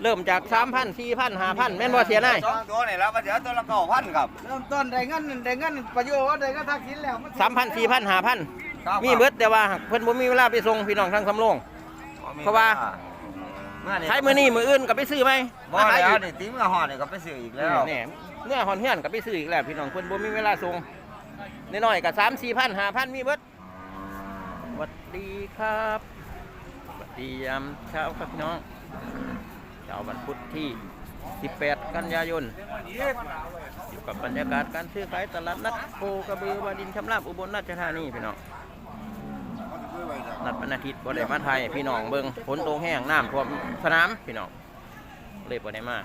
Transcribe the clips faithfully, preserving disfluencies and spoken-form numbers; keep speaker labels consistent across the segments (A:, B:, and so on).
A: เริ่มจากสามพันสี่พันห้าพันแม่นบ่เสียนาย
B: สองตัวนี่แล้วมาเดี๋ยวตัวละเก้าพันครับ
C: เริ่มต้นได้เงินได้เงินประโยชน์ได้เงินทักษิณแล้ว
A: สามพันสี่พันห้าพันมีเบิดแต่ว่าเพิ่นบ่มีเวลาไปส่งพี่น้องทางสำโรงเพราะว่าใช้มื้อนี้มื้ออื่นก็ไปซื้อไหม
B: บ่แล้วนี่ตีมือห่อนี่ก็ไปซื้ออีกแล้ว
A: นี่เนื้อหอนเฮือนก็ไปซื้ออีกแล้วพี่น้องเพิ่นบ่มีเวลาส่งน้อยๆก็สามสี่พันห้าพันมีเบิดสวัสดีครับสวัสดียามเช้าครับพี่น้องเช้าวันพุธที่สิบแปดกันยายนอยู่กับบรรยากาศการซื้อขายตลาดนัดโคกระบือวาดินชำราบอุบลราชธานีพี่น้องนัดวันอาทิตย์บ่ได้มาไทยพี่น้องเบิ่งฝนตกแห้งน้ำท่วมสนามพี่น้องเลยบ่ได้มา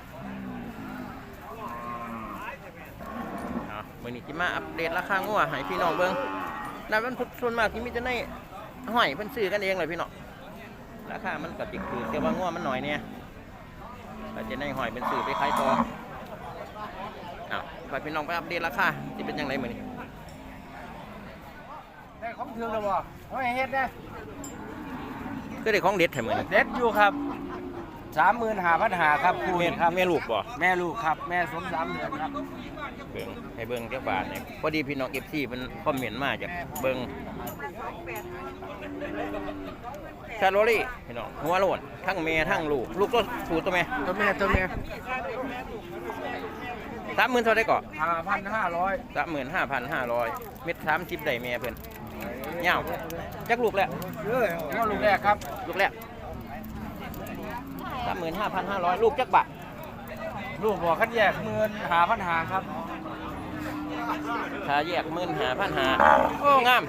A: เอามื้อนี้สิมาอัปเดตราคางัวให้พี่น้องเบิ่งนัดวันพุธส่วนมากที่มีแต่ในห้อยเพิ่นซื้อกันเองเลยพี่น้องราคามันก็ติดคือแต่ว่างัวมันหน่อยเนี่ยก็จะในห้อยเป็นซื้อไปขายต่อเอาไปพี่น้องไปอัปเดตราคาที่เป็นยังไงมื้อนี้
C: ได้ของถึงแล้วบ่เอาให้เฮ็ดได้
A: คือได้ของเด็ดแท้มื้อนี้
C: เด็ดอยู่ครับสามหมื่นห้าพันห้าครับคู่
A: แม่
C: เห็นครับ
A: แม่ลูกบ่
C: แม่ลูกครับแม่สมสามเดือนครับ
A: เบิ่งให้เบิ่งจักบาทเนี่ยพอดีพี่น้อง เอฟ ซี เพิ่นคอมเมนต์มาจากเบิ่งชาโรลี่พี่น้องหัวโลนทั้งแม่ทั้งลูกลูกก็ถูกตัวแม่
C: ตัวแม่ตัวแม่
A: สามหมื่นเท่าได้ก่อ
C: ห้าพันห้าร้อย
A: สามหมื่นห้าพันห้าร้อยเม็ดสามสิบได้แม่เพิ่นเงาจักลูกแล้ว
C: เอ้ยว่าลูกแรกครับ
A: ลูกแรกสามหมื่นห้าพันห้าร้อยลูกจักบาท
C: ลูกบอกคัดแยกหมื่นห้าพันห้าครับ
A: ถ้าแยกหมื่นห้าพันห้าโอ้งาม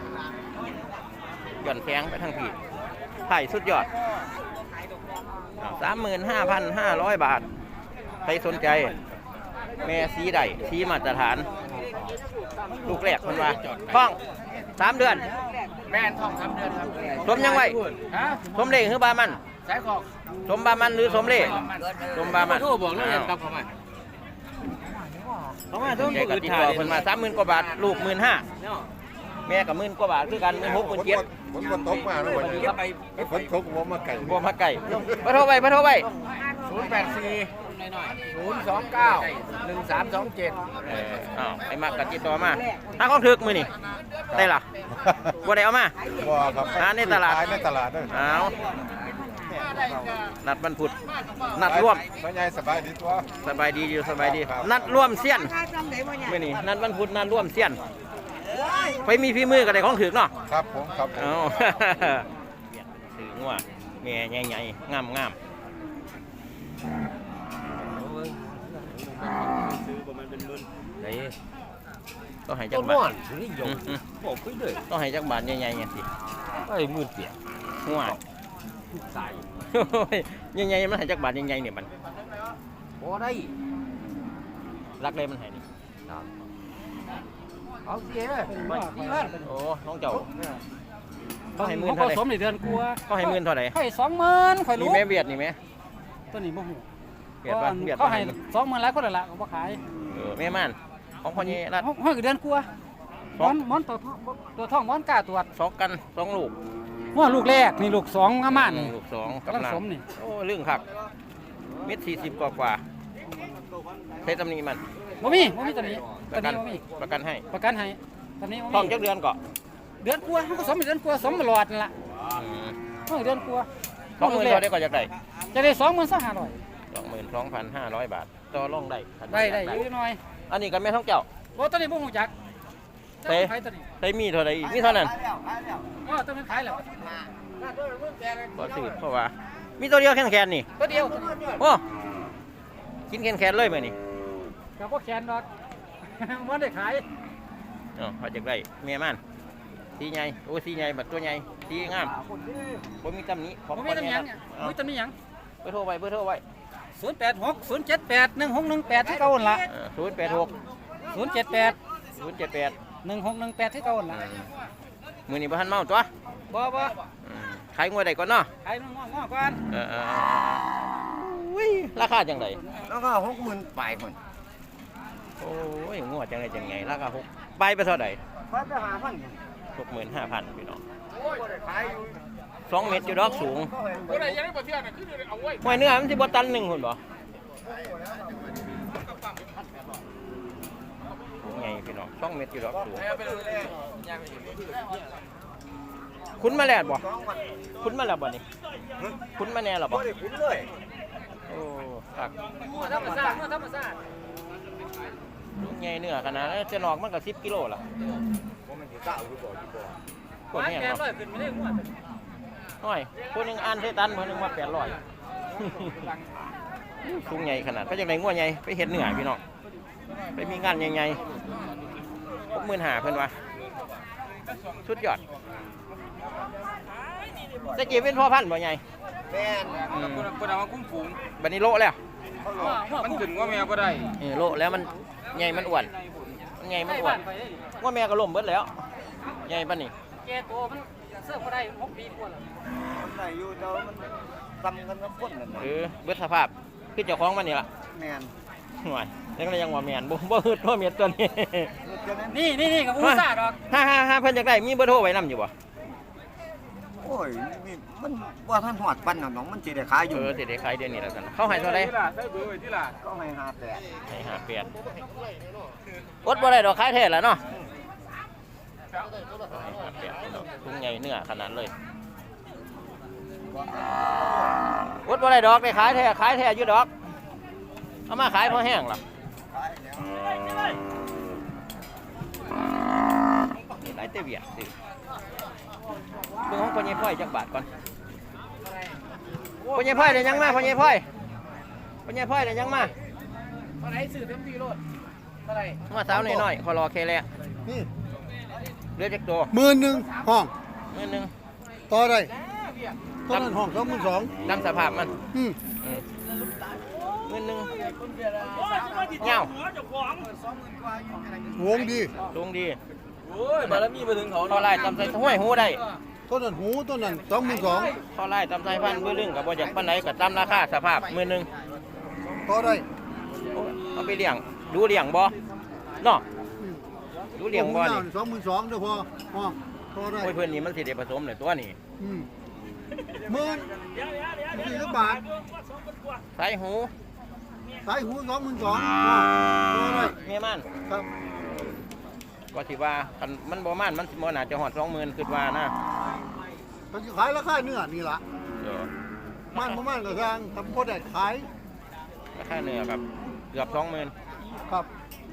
A: หย่อนแข้งไปทั้งพี่ไผ่สุดยอดสามหมื่นห้าพันห้าร้อยบาทใครสนใจแม่สีใดสีมาตรฐานลูกแรกคนว่าท้องสามเดือน
C: แม่ทองสามเดือนครับ
A: สมยังไง
C: ฮะ
A: สมเล่หรือบามัน
C: สายขอก
A: สมบามันหรือสมเล่สมบามัน
C: โทรบอกแล้วกลับเข้ามาเข้ามาต้อง
A: แกก็ติดต่อคนมาสามหมื่นกว่าบาทลูกหมื่นห้าแม่กับหมื่นกว่าบาทคือกันหมื่นหกหมื่นเจ็ด
D: ฝนฝนตกมาแล้ววันนี้ฝนตกผมมาไก่
A: บัวมาไก่มาโทรไปมาโทรไป
C: ศูนย์แปดสี่ศูนย์สองเก้าหนึ่งสามสองเจ็ด
A: เอออ้าวไอ้มากกับติดต่อมาถ้าของถึกมือนี่ได้ล่ะบัวได้เอามา
D: ว่าครับ
A: หาในตลาด
D: ขยในตลาดด้วย
A: เอานัดวันพุธนัดร่วม
D: ไม่ใหญ่สบายดีตัว
A: สบายดีอยู่สบายดี นัดร่วมเสี้ยนมื่อนี้นัดวันพุธนัดร่วมเสี้ยนไปมีพี่มือกับไอ้ของถึกเนาะ
D: ครับผมครับผม
A: เอา ถืองัวแม่ใหญ่ๆงามงามต้องให้จักบาทต้องให้จักบาทใหญ่ๆอย่างสิ
C: ไอ้มือเปียก
A: หัว
C: สาย
A: ใหญ่ๆมันให้จักบาทใหญ่ๆเนี่ยมัน
C: โอ้ได้
A: รักเลยมันให้นี่
C: เอาเสียไม่ดีมาก
A: โอ้น้องเจ้าเขาให้หมื่นเท่าไหร่
C: สมในเดือนกลัว
A: เขาให้หมื่นเท่าไหร่
C: ให้สองหมื่นข่อย
A: นี่
C: รู้
A: แม่เบียดนี่แม่
C: ตัวนี้โมโห
A: เบียดป่ะเบียด
C: เขา
A: ป่ะ
C: ให้สองหมื่นหลายคนละละเขาบ่ขาย
A: เออแม่ม่านของพ่อนี่รัด
C: ห้อยเดือนกลัว
A: ส
C: ม
A: อ
C: อง นมอนตัวทองตัวทองมอนกล้าตรวจ
A: สองกันสองลูก
C: หัวลูกแรกนี่ลูกสองงามานนี่
A: ลูกสอง
C: กำลังสมนี่
A: โอ้เรื่องขักเม็ดสี่สิบกว่ากว่าใช้ตำหนิมัน
C: บ่มีบ่มีตัวนี้
A: ป
C: ตัว
A: ระกั
C: นี้
A: น
C: บ่มี
A: ประกันให้
C: ประกันให้ตัวนี้บ่
A: ท้อง
C: มี
A: จักเดือนก่อน
C: เดือนกลัวเขาก็สมในเดือนกลัวสมตลอดนั่นล่ะห้อยเดือนกลัว
A: สองหมื่นเท่าได้ก็จากได้
C: จะได้สองหมื่นสองห้าร้อย
A: สองหมื่นสองพันห้าร้อยบาทต่อรองได้
C: ได้ได้อยู่หน่อย
A: อันนี้ก็แม่ท้องเจ้า
C: บ่ตัวนี้บ่ฮู้จัก
A: เต้
C: ขายตัวนี้
A: ได้มีเท่าไหร่อีกมีเท่านั้น
C: ว่าตัวนี้ขายแล้ว
A: ก็สืบเพราะว่า มีตัวเดียวแค่แคนนี่
C: ตัวเดียว
A: โอ้กินแคนแคนเลยไหมนี่
C: ก็บ่แขนดอก บ่ได้ขาย
A: อ๋อพอจากได้เมียมันสีใหญ่โอ้สีใหญ่บัดตัวใหญ่สีงามบ่มีตำหนิของ
C: บ่มีตำหนิหยังบ่มีตำหนิหยัง
A: เบอร์โทรไว้เบอร์โทรไว้
C: ศูนย์แปดหก ศูนย์เจ็ดแปด หนึ่งหกหนึ่งแปดที่เก่าหั่นล่ะ
A: ศูนย์แปดหก
C: ศูนย์เจ็ดแปด
A: ศูนย์เจ็ดแปด
C: หนึ่งหกหนึ่งแปดที่เก่าหั่นล่ะ
A: มือนี้บ่ทันเมาตัว
C: บ่บ่
A: อืมขายงวดใดก่อนเนาะ
C: ขายน้องๆก่อน
A: เออเออเอออุ้ยราคาจังได
B: แล้วก็หกหมื่นปลายคน
A: โอ้ยงวดจังไดจังไงราคาหกใบไปเท่าใด
C: ไปไปหาพัน
A: หกหมื่นห้าพันพี่น้อง
C: โอ้ยบ่ได้ขายอยู่
A: สองเมตรอยู่ดอกสูงห้อยเนื้อมันสิบ่ตันหนึ่งหุ่นบ่ไงพี่น้องสองเมตรอยู่ดอกสูงคุ้นมาแล้วบ่คุ้นมาแล้วบ่นี่คุ้นมาแน่หรอบ่
B: บ่ได้คุ้นเลย
A: โอ้คัก
C: ธรรมชาติธรรมชาติ
A: ไงเนื้อขนาดนั้นจะนอกมันก็สิบกิโลล่ะ
B: บ่มันสิเก้าอยู่บ่อยู่บ่
A: กดแห้ง
C: แก
A: เนาะ
C: ร้อยขึ้นไม่ได้หัว
A: น้อยคนหนึงอ่านเทตันคนหนึงว่าแปดร้อย สูงใหญ่ขนาดก็จะได้งัวใหญ่ไปเห็ดเหนือพี่น้องไปมีงานใหญ่ๆพวกมื่นหาเพื่อนวะชุดยอดตะกี้เป็นพ่อพันธุ์บ่ใหญ่
B: แม่น
A: อืม
C: คนเอามาคุ้มฝูง
A: บัดนี้โละแล้ว
C: มันขึ้นว่าแมวก็ได้
A: เออโละแล้วมันใหญ่มันอ้วนมันใหญ่มันอ้วนว่าแม่ก็ล่มเบิดแล้วใหญ่ปานนี้
C: แกโตมันเสื้อก็ได้หกปีกว่าแล้ว
B: มันได้อยู่แต่ว่ามันซ้ำกันกับคนนั่นน่ะ
A: เออเบิดสภาพคือเจ้าของมันนี่ล่ะ
B: แม่น
A: ห่วยยังเลยยังว่าแม่นบ่บ่ฮึดบ่เม็ดตัวนี้
C: นี่นี่นี่กับผู้ซาดอก
A: ฮ่าฮ่าฮ่าเพิ่นอยากได้มีเบอร์โทรไว้นํอยู่บ่
B: โอ้ยนี่มันว่าท่านหอดปันน่ะน้องมันสิได้ขายอยู่
A: เออสิได้ขายเดือนนี้แล้วกันเขาให้เท่าใด
C: ใช้เบอร์ไว้ที่ล่ะ
B: ก็ให้ห้าแปด
A: ให้ห้าแปดอดบ่ได้ดอกขายแท้แล้วเนาะให้ห้าแปดเนาะถุงใหญ่เนื้อขนาดเลยอดบ่ได้ดอกได้ขายแท้ขายแท้อยู่ดอกเอามาขายพอแห้งล่ะนี่หลายเตเวียดสิเบิ่งของพ่อใหญ่พ่อยจักบาทก่อนพ่อใหญ่พ่อยได้ยังมาพ่อใหญ่พ่อยพ่อใหญ่พ่อยได้ยังมา
C: เท่าไหร่ซื้อเต็มที่รถเท่าไหร่
A: มาสาวน้อยๆขอรอแค่แล
D: นี่
A: เลือดจักตัว
D: หมื่นหนึ่งห้อง
A: เงินหนึง
D: ต่อได้ตอนนั้นห้องสองหมื่นสอง
A: ตามสภาพมัน
D: อืม
A: อืมเงินหนึงเงาว
D: งดี
A: ลงดี
C: โอ้ยบารมีมาถึงเขา
A: พอไล่ตำใส่ห้วยหูได้
D: ต้นนั้นหูต้นนั้นสองหมื่นสอง
A: พอไล่ตำใส่พันมือลึงกับบ่จากปานไหนกับตามราคาสภาพมือหนึง
D: ต่อได้
A: โอ้ยเอาไปเลี้ยงดูเลี้ยงบ่เนาะดูเลี้ยงบ่นี่
D: สองหมื่นสองเดี๋ยวพอห้องต่อได้
A: โอ้ยเพิ่นนี่มันสิได้ผสมเลยตัวนี้
D: อืมหมื่นสี่สิบบาท
A: สายหู
D: สายหูสองหมื่นสองต่อได้
A: เมียมัน
D: ครับ
A: ก็สิว่าคันมันบ่ม่านมันสิบ่น่าจะฮอดสองหมื่นคิดว่านะ
D: มันจะขายราคาเนื้อนี่ล่ะ
A: เดี๋ยว
D: มันประมาณกระทางทำพอได้ขาย
A: ราคาเนื้อครับเกือบสองหมื่น
D: ครับ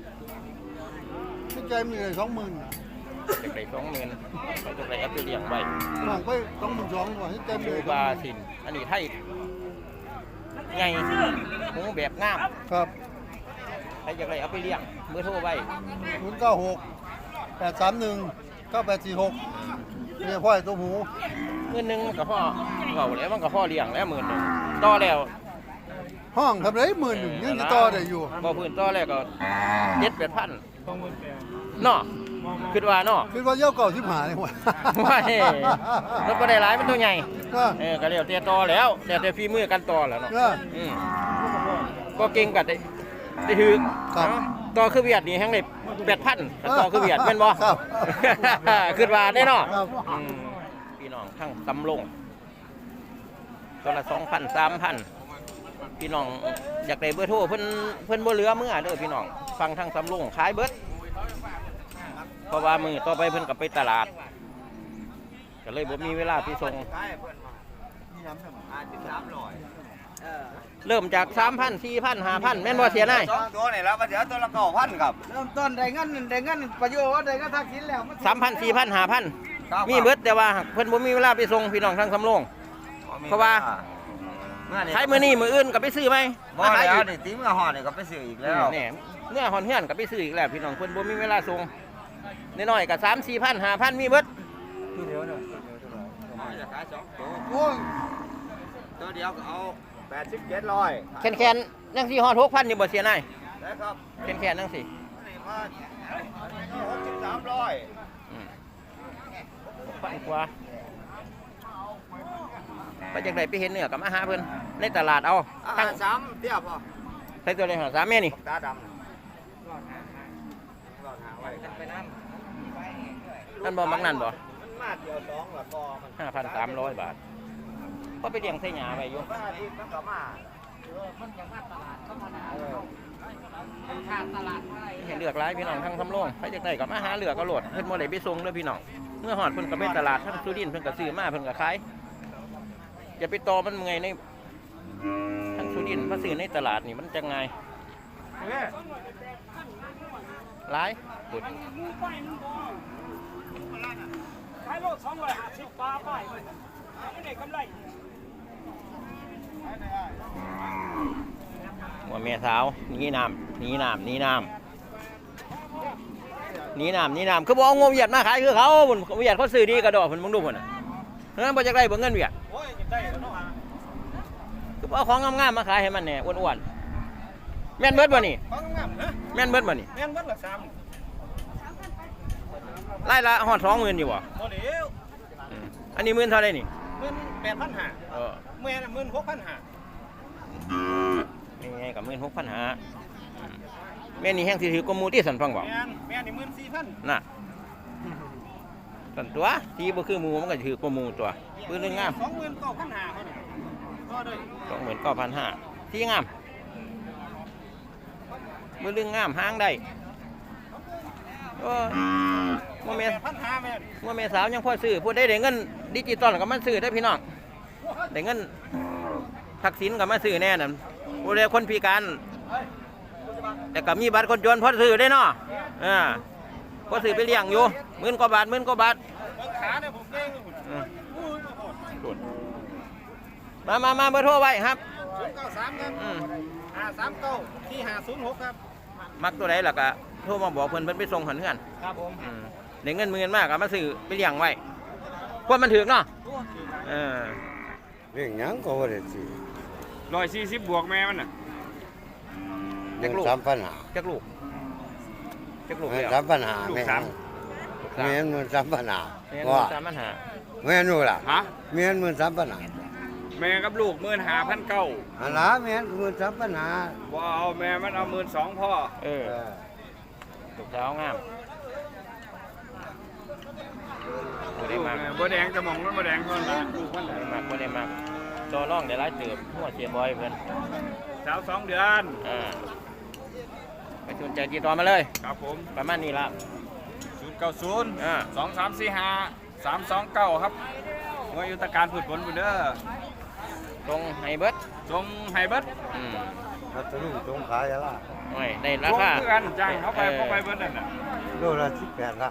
D: ที่ใจมีเลยสองหมื่น
A: จะได้สองหมื่นเขาจะได้เอาไปเลี้ยงไว้
D: ห้องไปสองหมื่นสองกว่าที่ใจมี
A: ดู
D: เลย
A: บาสินอันนี้ไทยใหญ่หูแบบงาม
D: ครับ
A: ใครจะได้เอาไปเลี้ยงเบอร์โทรไว้
D: ศูนย์เก้าหกแปดสามหนึ่งเก้าแปดสี่หกเนี่ยพ่อยตัวหมู
A: เงินหนึงมันกับพ่อเก่าแล้วมันกับพ่อเลี้ยงแล้วหมื่นหนึ่งต่อแล้ว
D: ห้องทำไรหมื่นหนึ่งยังจะต่อได้อยู่
A: บ่พื้นต่อแล้วก็เจ็ดแปดพันเนาะคิดว่าเนาะ
D: คิดว่าเย้าเก่าที่หาเลยหัว
A: ว่าเฮ้รถก็ได้หลายมันตัวใหญ่
D: ก็
A: เออก็เรียวเตียต่อแล้วแต่แต่ฝีมือกันต่อแล้วเนาะ
D: ก็
A: อืมก็เก่งกันได้ได้ถือ
D: ครับ
A: เนาะต่อคือเวียดนี่แฮงได้แปดพันต่อคือเวียดแม่นบ่
D: ครับ
A: คิดว่าได้เนาะ
D: ครับ
A: อืมพี่น้องทั้งตำลงตัวละสองพันสามพันพี่น้องอยากได้เบอร์โทรเพิ่นเพิ่นบ่เหลือเมื่อเด้อพี่น้องฟังทั้งตำลงขายเบิดเพราะว่ามือต่อไปเพิ่นก็ไปตลาดก็เลยบ่มีเวลาไปส่ง
B: ขายเพิ่นมานี่น้ำหนึ่งห้าสิบสามร้อย
A: เริ่มจาก สามพัน สี่พัน ห้าพัน แม่นบ่เสียนาย
B: สองตัวนี่แล้วมาเดี๋ยวตัวละเก้าพันครับ
C: เริ่มต้นได้เงินได้เงินประโยชน์ได้เงินทักษิณแล้ว
A: สามพัน สี่พัน ห้าพัน มีเบิดแต่ว่าเพิ่นบ่มีเวลาไปส่งพี่น้องทางสำโรง เพราะว่า ขายมื้อนี้มื้ออื่นก็ไปซื้อไหม
B: บ่
A: มาขาย
B: แล้
A: อี
B: ว
A: ก
B: นี่ตีมือหอดนี่ก็ไปซื้ออีกแล้ว
A: นี่เนื้อหอนเฮือนก็ไปซื้ออีกแล้วพี่น้องเพิ่นบ่มีเวลาส่งน้อยๆก็สาม สี่พัน ห้าพัน มีเบิด
B: ตัวเดียวเนี่ยจะขายสองตัว
D: โอ้ย
B: ตัวเดียวก็เอาแปดสิบเจ็ดร้อย
A: แคนๆจังสิฮอด หกพัน นี่บ่เสียนาย
B: นะครับ
A: แคนๆจังสิ
B: นี่มาหกสิบสามร้อย
A: อืมหกพันกว่าไปจังได๋ไปเห็นเนื้อก็มาหาเพิ่นในตลาดเอา
B: อ่า
A: ทั้ง
B: สามเตี้ยพอ
A: ใส่ตัวเลยหาสามแม่นี่
B: ตาดำรอดหาไว้ไปน้ำ
A: นั่นบ่มักนั่นบ่
B: มันมาเดียวสองละกอมัน
A: ห้าพันสามร้อยบาท
B: ม
A: ก็ไปเลี้ยงใส่หญ้าไว้อยู่
C: ว่าที่มันก็มามันจะมาตลาดก็มาหาค่าตลาดอะไร
A: เห็นเลือกหลายพี่น้องทั้งทำโรงใครจะได้ก็มาหาเลือกก็โหลดเพิ่นบ่ได้ไปส่งเด้อพี่น้องเมื่อฮอดเพิ่นก็ไปตลาดทั้งสุรินทร์เพิ่นก็ซื้อมาเพิ่นก็ขายอย่าไปต่อมันเมื่อยในทั้งสุรินทร์มาซื้อในตลาดนี่มันจังไงหลายสุด
E: ขายโลสองร้อยห้าสิบปลาไปไม่ได้กำไร
A: หัวเมียสาวหนีน้ำหนีน้ำหนีน้ำหนีน้ำหนีน้ำคือบอกงมเหยียดมาขายคือเขาบุญเหยียดเขาซื้อดีกระดอกผลมึงดูผลน่ะนั้นบ่จะได้เบิ่งเงินเหยียด
E: โอ้ยได้แล้วเนาะ
A: คือเอาของงามๆมาขายให้มันเนี่ยอ้วนๆแม่นเบิดบ่นี่
E: ของงามนะ
A: แม่นเบิดบ่นี่
E: แม่นวันละสาม
A: ไล่ละฮอดสองหมื่นอยู่บ่
E: โมเดล
A: อืมอันนี้หมื่นเท่าไรนี่
E: หมื่นแปดพันห้า
A: เออ
E: แม่น่ะหมื่นหกพันห้า
A: นี่ไงกับหมื่นหกพันหาแม่นี่แห้งสิถือกว่าหมูที่สันฟังบอก
E: แม่นแม่นี่หมื่นสี่พัน
A: น่ะสันตัวที่บ่คือหมูมันก็ถือกว่าหมูตัวปืนเรื่องงาม
E: สองหมื่นเก้าพันห้าเขาเนี่ยก็ด้วย
A: สองหมื่นเก้าพันห้าที่งามปืนเรื่องงามห้างได้โอ้ยว่าแม่
E: แปดพันห้าแม่น
A: ว่าแม่สาวยังพอซื้อพูดได้ได้เงินดิจิตอลก็มาซื้อได้พี่น้องได้เงินทักษิณก็มาซื้อแน่น่ะผู้ใดคนพิการแต่ก็มีบัตรคนจนพอซื้อได้เนาะอ่าพอซื้อไปเลี้ยงอยู่หมื่นกว่าบาทหมื่นกว่าบาท
E: เบิ่งขาเนี่ยผมเก่งเลยคุณ
A: อืม
E: อู้ยโคตร
A: มามามาเบอร์โทรไว้ครับ
E: ศูนย์เก้าสามครับ
A: อืม
E: ห้าสามเก้าที่ห้าศูนย์หกครับ
A: มักตัวไหนล่ะก็โทรมาบอกเพิ่นเพิ่นไปส่งหันเพื่อน
E: ครับผม
A: อืมได้เงินหมื่นมากก็มาซื้อไปเลี้ยงไว้ควรมันถึกเนาะเออ
B: เรื่องหยังก็บ่ได้สิ
E: ร้อยสี่สิบบวกแม่มันน่ะ
A: จักลูก
B: สามปัญหา
A: จักลูกจักลูก
B: แม่
A: เดียว
B: สามปัญหาแม่
A: ลูกสาม
B: แม่นมันสามปัญหา
A: แม่น
B: ว่า
A: สามปัญหา
B: แม่นนู่นล่ะ
E: ฮะ
B: แม่นมันสามปัญหา
E: แม่กับลูกหมื่นห้าพันเก้า
B: อันล่ะแม่นมันสามปัญหา
E: ว้าวแม่มันเอาหมื่นสองพ่อ
A: เออ
B: เออ
A: ลูกสาวงามบ่ได้มาก
E: บัวแดงจะมองมันบัวแดงก่อนนะลูกมัน
A: บ่ได้มากบ่ได้มากจอร่องได้หลายเติบหัวเสียบอยเพิ่น
E: สาวสองเดือน
A: อ่าไปสนใจติดต่อมาเลย
E: ครับผม
A: ประมาณนี้ละ
E: ศูนย์เก้าศูนย์
A: อ่า
E: สองสามสี่ห้าสามสองเก้าครับงวยยุทธการพืชผลบุญเด้อ
A: ตรงให้เบิด
E: ทรงไฮเบิร์ด
A: อืม
B: พัทลุงตรงขายอะล่ะ
A: โอ้ยได้รา
E: ทรง
A: คา
E: คือกันจ้างเขาไป
A: ออ
E: เขาไปเบิร์ดนั่นน่ะ
B: โลละสิบแปดละ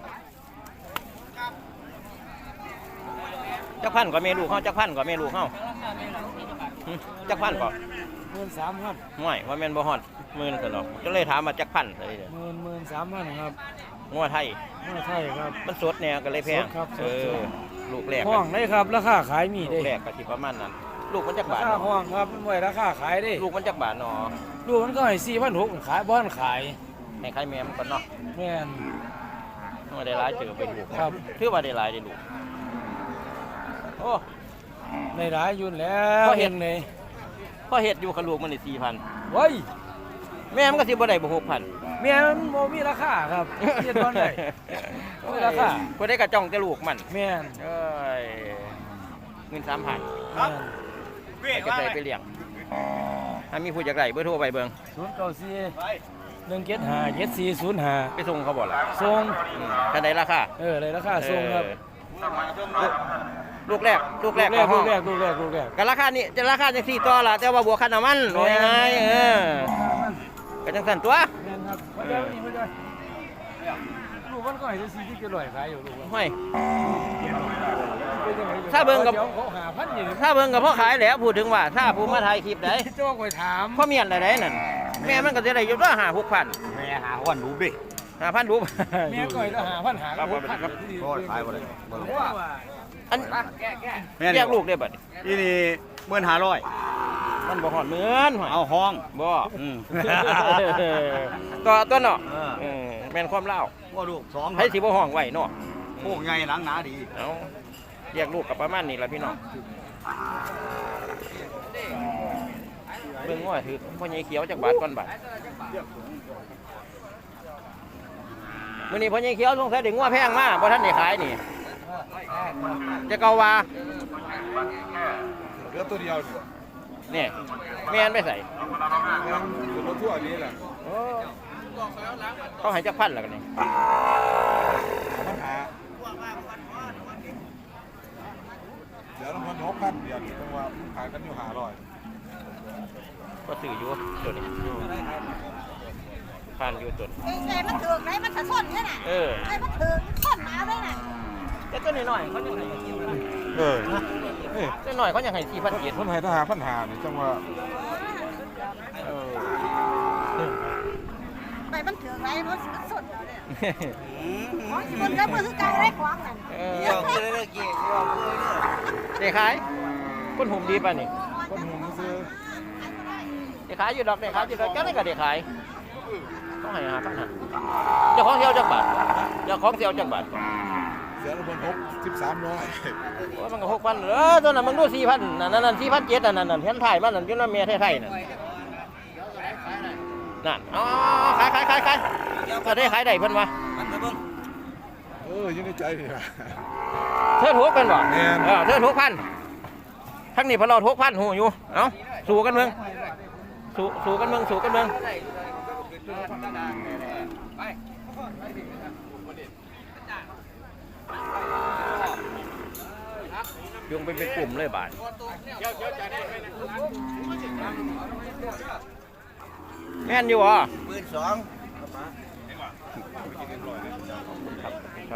A: จักพันกว่าเมลูกเฮาจักพันกว่าเมลูกเฮาหึจักพันกว่า
C: หมื่นสามครับ
A: ห่วยว่าแม่นบ่ฮอดหมื่นซั่นดอกก็เลยถามว่าจักพันซะเด้อ
C: หมื่นหมื่นสามพันครับ
A: งัวไทย
C: ไม่ใช่ครับ
A: มันสดแนวก็เลยแพง
C: สดครับสด
A: เออลูกแรก
C: ห้องได้ครับราคาขายมี
A: ลู
C: ได้
A: กแรกก็สิประมาณนั้นลูกมันจักบาท
C: ราคา
A: เนาะ
C: ห้องครับมันไว้ราคาขายได้
A: ลูกมันจักบาทเนาะ
C: ลูกมันก็ให้สี่พันหกขายบ้านขาย
A: ให้ใครแม่มันก่อนเนาะ
C: แม่น
A: ว่าได้หลายเจอไปลูก
C: ครับ
A: ถือว่าได้หลายได้ลูกโอ้
C: ในร้ายอยุ่นแล้ว
A: พอเห็น
C: เลย
A: พอเฮ็ดอยู่กับลูกมันนี่สี่พัน
C: เว้ย
A: แม่มันก็สิบ่ได้บ่หกพัน
C: แม่มันโมมีราคาครับเรียนตอนไหนมีราคา
A: บ่ได้กระจ้องแต่ลูกมัน
C: แม่น
A: เอ้ยเงินสามพัน
C: แม่น
A: จะได้ไปเลี้ยงถ้ามีผู้อยากได้เบอร์โทรไปเบิ่ง
C: ศูนย์เก้าสี่หนึ่งเจ็ดห้าเจ็ดสี่ศูนย์ห้า
A: ไปส่งเขาบ่ล่ะ
C: ส่ง
A: อืมถ้าได้ราคา
C: เออเลยราคาส่งครับ
A: เออลูกแรกลูกแรก
C: ลูก
A: ห้อง
C: แรกลูกแรกลูกแรก
A: ก็ราคานี่จะราคาจังสี่ต่อล่ะแต่ว่าบวกค่าน้ำมันโอ้ยไงเออก็จังสั่นตัว
C: แม่นครับมาเดี๋ยวนี้มาเดี๋ยวลูกมันก็ให้ได้สี่ที่เจ็ดร้อยขายอยู่ลูกมัน
A: ห้อย
C: เป็นจังไง
A: ถ้าเบิ่งกับ
C: ดี๋ยวเขาหาพันอยู่นี่
A: ถ้าเบิ่งกับพ่อขายแล้วพูดถึงว่าถ้าผู้มาถ่ายคลิปได้
C: เจ้าไปถาม
A: พ่อเมียนอะไรนั่นแม่มันก็จะได้อยู่ตัวห้าหกพัน
B: แม่หาวันรู้ดิ
A: ห้าพันรูป
C: แม่ก่อยก็หาพันหา
A: ครับ
C: หกพัน
A: ครับ
B: ก็ขายบ่ได้บ่รู้
C: ว่า
A: อันแยกลูกได้บัดนี้
B: ที่นี่หมื่นห้าร้อย
A: มันบ่หอดเหมือนห้อย
B: เอาห้อง
A: บ่
B: อืม
A: ตัวตัวเนาะ
B: เออ
A: เออแม่นความเล่า
B: ว่าลูกสอง
A: ให้สิบ่ห้องไว้เนาะ
B: พวกใหญ่หลังหนาดี
A: เอาแยกลูกกับประมาณนี้ล่ะพี่น้องเบิ่งว่าถือพ่อใหญ่เขียวจักบาทก่อนบาทมื้อนี้พ่อใหญ่เขียวสงสัยได้งัวแพงมาบ่ทันได้ขายนี่จะเกาว่าโอ้
F: เหลือตัวเดียวนี่
A: เนี่ยแม่นไปใส่
F: คือรถทั่วนี้แหละ
A: โอ้เขาให้จักพันแล้วกันนี่
F: ปัญหาเดี๋ยวน้ำมันหกพันเดียวเพราะว่าขายกันอยู่ห้าร้อย
A: ก็ซื้ออยู่ตัวนี้พันอยู่ตัวนี้
G: เอ้ยไงมันถือกไหนมันจะส้นเนี่ยน่ะ
A: เออ
G: ไอ้มันถือกส้นหมาด้วยน่ะ
A: แต่ตัวน้อยๆเขายังให้
F: เออเอ้ย
A: ตัวน้อยเขายังให้สี่พันเจ็ด
F: คนไทยทหารปัญหานี่จังว่า
A: เออ
G: ไปมันถือกไหนมันสิมันส้นอยู่เนี่ยของสิมันก็มือคือเก่าได้ของนั่น
A: เออ
B: เดี๋ยวคือเลิกเกี่ยวเดี๋ยวคือเลิก
A: เด็กขายคนหุ่มดีป่ะนี่
F: คนหงซื้อ
A: เด็กขายอยู่ดอกเด็กขายอยู่ดอกแค่นั้นก็เด็กขายต้องให้หาพันหาเจ้าของเสียวจักบาทเจ้าของเสียวจักบาท
F: เสียน้ำมันหกสิบสามร้อย
A: โอ้ยมันก็หกพันเออตัวนั้นมันดูสี่พันนั่นนั่นสี่พันเจ็ดนั่นนั่นเห็นถ่ายมันนั่นอยืนว่าเมียไทยๆนั่นนั่นอ๋อขายขายขายขายก็ได้ขายได้เพิ่นวะ
B: มันไปเบิ่ง
F: เอออยังในใจนี่ล่ะ
A: เธอถูกกันบ่
F: แม่น
A: เออเธอถูกพันทั้งนี้พอเราถูกพันหูอยู่เอ้าสู้กันเมืองสู้สู้กันเมืองสู้กันเมืองยงไปเป็นกลุ่มเลยบาทแม่นอยู่อ่ะ
B: หมื่นสอง
A: ครับ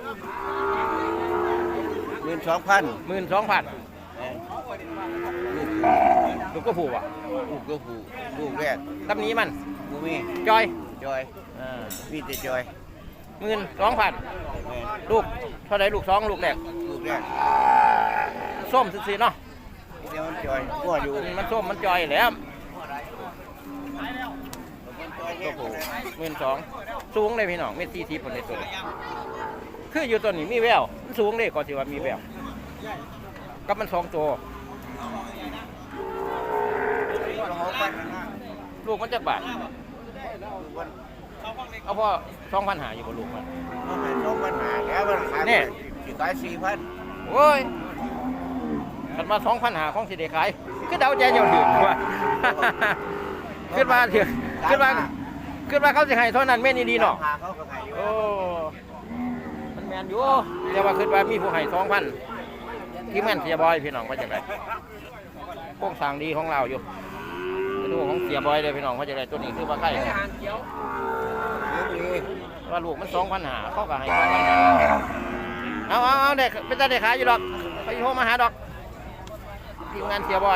B: หมื่นสองพัน
A: หมื่นสองพันลูกก็ผูกอ่ะ
B: ลูกก็ผูกลูกแรก
A: ตำนี้มัน
B: บูมี
A: จอย
B: จอย
A: อ่า
B: มีแต่จอย
A: หมื่นสองพัน
B: แม่น
A: ลูกเท่าไรลูกสองลูกแรก
B: ลูกแรก
A: ส้มสิเนาะ
B: เดี๋ยวมันจอยกัวอยู่
A: มันส้มมันจอยแหล้ว
B: ก็ผูก
A: หมื่นสองสูงเลยพี่น้องเมตรสี่สิบคนในตัวนี้คืออยู่ตัวนี้มีแววมันสูงเลยก็สิว่ามีแววกับมันสองตัว
B: หกพันห้า
A: ลูกมันจะบาทเอาพ่อสองพันหาอยู่บนลูกมัน
B: ต้องให้สองพันห้าแล้วมันขาย
A: นี่
B: สิขายสี่พัน
A: โอ้ยขันมาสองพันหาของสิเดขายคือเดาใจเจ้าถึงว่า ขึ้นมาถึงขึ้นมาขึ้นมาเขาสิให้เท่านั้นแม่นดีเนาะ
B: หาเขาก็ขายอยู่
A: โอ้มันแมนอยู่แต่ว่าขึ้นมามีผู้ให้สองพันที่แม่นเสียบอยพี่น้องว่าจะไรโค้งสร้างดีของเราอยู่ไปดูของเสียบอยเลยพี่น้องว่าจะไรตัวนี้คือว่าใกล้ว่าลูกมันสองพันหาเขาก็ให้สองพันหาเอาเอาเอาเด็กเป็นตาเด็กขายอยู่ดอกไปโทรมาหาดอกทีมงานเสียบอย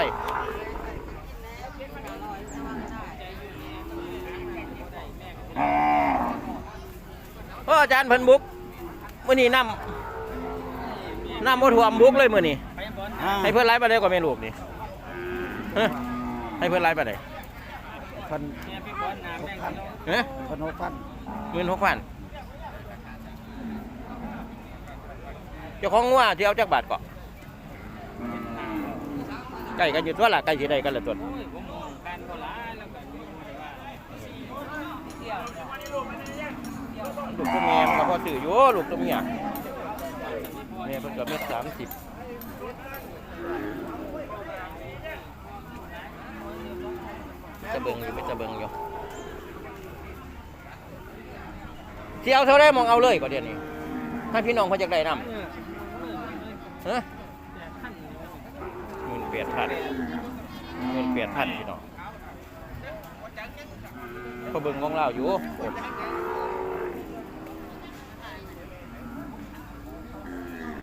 A: เอออาจารย์เพิ่นบุกมื้อนี้น้ำน้ำบ่ท่วมบุกเลยมื้อนี้ให้เพิ่นไล่ไปได้กว่าแม่ลูกนี่ฮะให้เพิ่นไล่ไปได้
B: พัน
A: ฮะ
B: พันหกพัน
A: หมื่นหกพันเจ้าของงัวที่เอาจากบาทเกาะไก่กันอยู่ตัวละไก่สีใดกันละตัวลูกตัวแม่มันก็พอสื่ออยู่ลูกตัวเมียแม่เพิ่นก็เม็ดสามสิบจะเบิ่งอยู่ไม่จะเบิ่งอยู่ที่เอาเท่าไรมองเอาเลยก็เดี๋ยวนี้ให้พี่น้องเขาจะได้นำฮะหมื่นแปดพันหมื่นแปดพันพี่น้องเขาเบิ่งของเราอยู่